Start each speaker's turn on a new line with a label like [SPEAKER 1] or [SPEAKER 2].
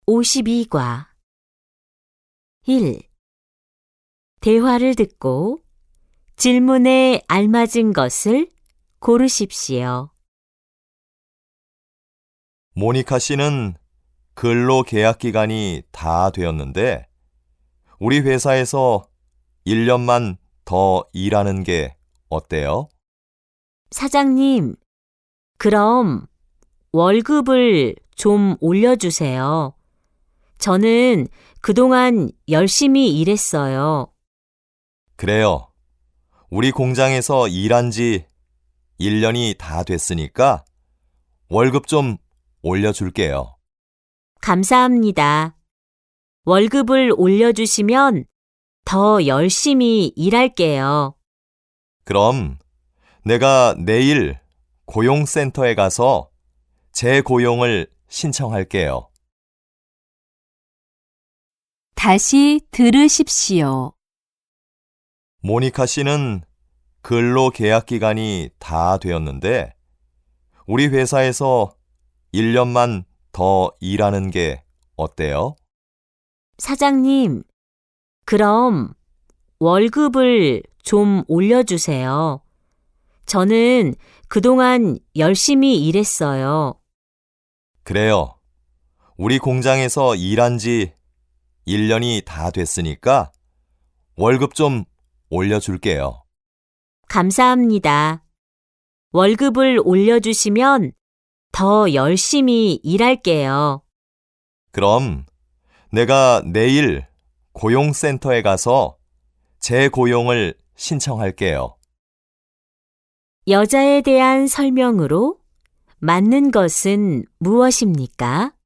[SPEAKER 1] 52과 1. 대화를 듣고 질문에 알맞은 것을 고르십시오.
[SPEAKER 2] 모니카 씨는 근로 계약 기간이 다 되었는데 우리 회사에서 1년만 더 일하는 게 어때요?
[SPEAKER 1] 사장님, 그럼 월급을 좀 올려주세요. 저는 그동안 열심히 일했어요.
[SPEAKER 2] 그래요. 우리 공장에서 일한 지 1년이 다 됐으니까 월급 좀 올려줄게요.
[SPEAKER 1] 감사합니다. 월급을 올려주시면 더 열심히 일할게요.
[SPEAKER 2] 그럼 내가 내일 고용센터에 가서 재고용을 신청할게요.
[SPEAKER 3] 다시 들으십시오.
[SPEAKER 2] 모니카 씨는 근로 계약 기간이 다 되었는데 우리 회사에서 1년만 더 일하는 게 어때요?
[SPEAKER 1] 사장님, 그럼 월급을 좀 올려주세요. 저는 그동안 열심히 일했어요.
[SPEAKER 2] 그래요. 우리 공장에서 일한 지 1년이 다 됐으니까 월급 좀 올려줄게요.
[SPEAKER 1] 감사합니다. 월급을 올려주시면 더 열심히 일할게요.
[SPEAKER 2] 그럼 내가 내일 고용센터에 가서 재고용을 신청할게요.
[SPEAKER 1] 여자에 대한 설명으로 맞는 것은 무엇입니까?